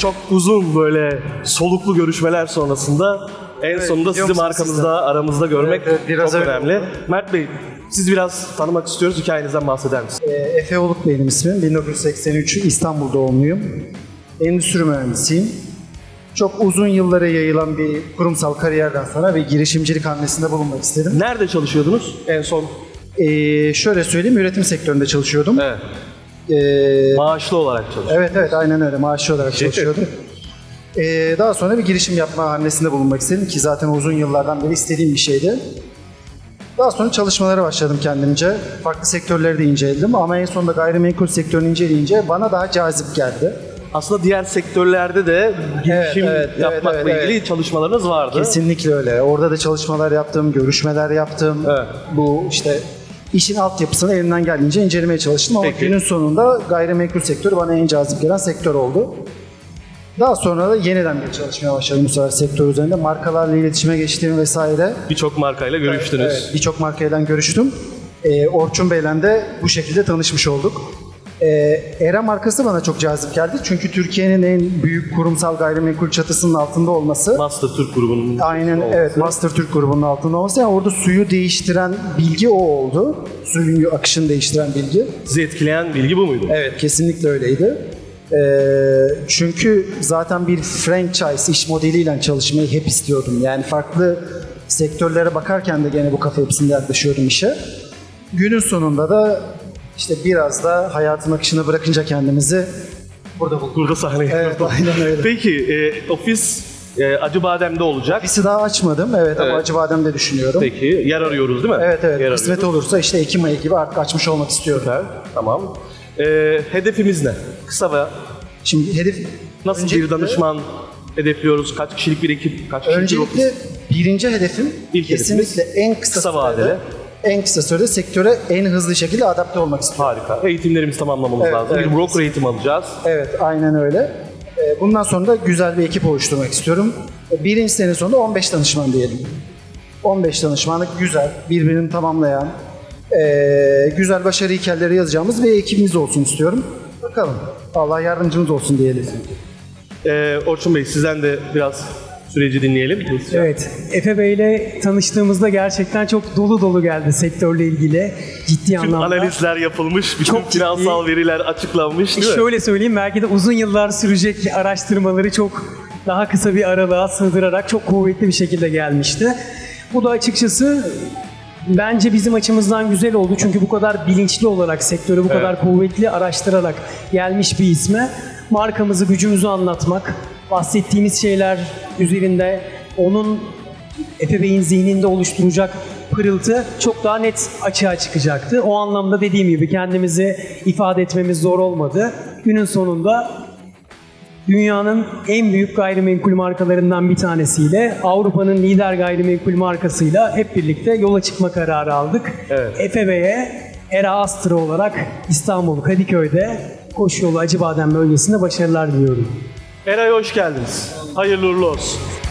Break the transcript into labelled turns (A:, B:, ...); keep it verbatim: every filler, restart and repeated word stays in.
A: çok uzun böyle soluklu görüşmeler sonrasında en
B: Evet,
A: sonunda
B: biliyor
A: sizi
B: musunuz
A: markamızda aramızda görmek
B: Evet, evet, biraz
A: çok
B: öyle
A: önemli.
B: oldu.
A: Mert Bey, sizi biraz tanımak istiyoruz. Hikayenizden bahseder misiniz?
B: Ee, Efe Oluk benim ismim. bin dokuz yüz seksen üç İstanbul doğumluyum. Endüstri mühendisiyim. Çok uzun yıllara yayılan bir kurumsal kariyerden sonra bir girişimcilik hamlesinde bulunmak istedim.
A: Nerede çalışıyordunuz en son?
B: Ee, şöyle söyleyeyim, üretim sektöründe çalışıyordum.
A: Evet.
B: Ee,
A: Maaşlı olarak çalışıyordunuz.
B: evet evet aynen öyle, maaşlı olarak çalışıyordum. Ee, daha sonra bir girişim yapma hamlesinde bulunmak istedim ki zaten uzun yıllardan beri istediğim bir şeydi. Daha sonra çalışmalara başladım kendimce. Farklı sektörleri de inceledim ama en sonunda gayrimenkul sektörünü inceleyince bana daha cazip geldi.
A: Aslında diğer sektörlerde de girişim
B: evet, evet,
A: yapmakla
B: evet, evet.
A: ilgili çalışmalarınız vardı.
B: Kesinlikle öyle. Orada da çalışmalar yaptım, görüşmeler yaptım.
A: Evet.
B: Bu işte işin altyapısını elimden geldiğince incelemeye çalıştım ama
A: Peki.
B: günün sonunda gayrimenkul sektörü bana en cazip gelen sektör oldu. Daha sonra da yeniden bir çalışmaya başladım bu sefer sektör üzerinde. Markalarla iletişime geçtiğim vesaire.
A: Birçok markayla görüştünüz.
B: Evet, birçok markayla görüştüm. Ee, Orçun Bey'le de bu şekilde tanışmış olduk. Ee, Era markası bana çok cazip geldi. Çünkü Türkiye'nin en büyük kurumsal gayrimenkul çatısının altında olması.
A: Master Türk grubunun
B: Aynen
A: olması.
B: evet, Master Türk grubunun altında olması. Yani orada suyu değiştiren bilgi o oldu. Suyun akışını değiştiren bilgi.
A: Sizi etkileyen bilgi bu muydu?
B: Evet, kesinlikle öyleydi. Ee, çünkü zaten bir franchise iş modeliyle çalışmayı hep istiyordum. Yani farklı sektörlere bakarken de gene bu kafa yapısında yaklaşıyordum işe. Günün sonunda da işte biraz da hayatın akışına bırakınca kendimizi burada bulduk.
A: Burada sahneye.
B: Evet, aynen öyle.
A: Peki, e, ofis e, Acıbadem'de olacak.
B: Ofisi daha açmadım, evet, ama
A: Evet.
B: Acıbadem'de düşünüyorum.
A: Peki, yer arıyoruz değil mi?
B: Evet evet,
A: Yer
B: kısmet
A: arıyoruz.
B: olursa işte Ekim ayı gibi artık açmış olmak istiyorum.
A: Süper, tamam. E, hedefimiz ne? Kısa ve
B: Şimdi hedef...
A: nasıl
B: öncelikle-
A: bir danışman hedefliyoruz? Kaç kişilik bir ekip? Kaç kişilik bir
B: Öncelikle
A: ofis?
B: birinci hedefim
A: İlk
B: kesinlikle en kısa,
A: kısa
B: sürede,
A: vadeli.
B: en kısa sürede sektöre en hızlı şekilde adapte olmak istiyorum.
A: Harika. Eğitimlerimizi tamamlamamız
B: Evet,
A: lazım.
B: evet.
A: Bir broker eğitimi alacağız.
B: Evet, aynen öyle. Ee, Bundan sonra da güzel bir ekip oluşturmak istiyorum. Birinci sene sonunda on beş danışman diyelim. on beş danışmanlık güzel, birbirini tamamlayan, ee, güzel başarı hikayeleri yazacağımız bir ekibimiz olsun istiyorum. Bakalım. Allah yardımcımız olsun diyelim.
A: E, Orçun Bey, sizden de biraz süreci dinleyelim. Hızlıca.
C: Evet, Efe Bey'le tanıştığımızda gerçekten çok dolu dolu geldi sektörle ilgili ciddi
A: Bütün
C: anlamda.
A: analizler yapılmış, bütün
C: Çok ciddi.
A: finansal veriler açıklanmış değil mi?
C: Şöyle söyleyeyim, belki de uzun yıllar sürecek araştırmaları çok daha kısa bir aralığa sığdırarak çok kuvvetli bir şekilde gelmişti. Bu da açıkçası bence bizim açımızdan güzel oldu. Çünkü bu kadar bilinçli olarak, sektörü bu
A: Evet.
C: kadar kuvvetli araştırarak gelmiş bir isme markamızı, gücümüzü anlatmak, bahsettiğimiz şeyler üzerinde onun Efe Bey'in zihninde oluşturacak pırıltı çok daha net açığa çıkacaktı. O anlamda dediğim gibi kendimizi ifade etmemiz zor olmadı. Günün sonunda dünyanın en büyük gayrimenkul markalarından bir tanesiyle, Avrupa'nın lider gayrimenkul markasıyla hep birlikte yola çıkma kararı aldık.
A: Evet.
C: Efe Bey'e Era Astra olarak İstanbul Kadıköy'de Koşuyolu Acıbadem bölgesinde başarılar diliyorum.
A: Eray'a hoş geldiniz. Hayırlı uğurlu olsun.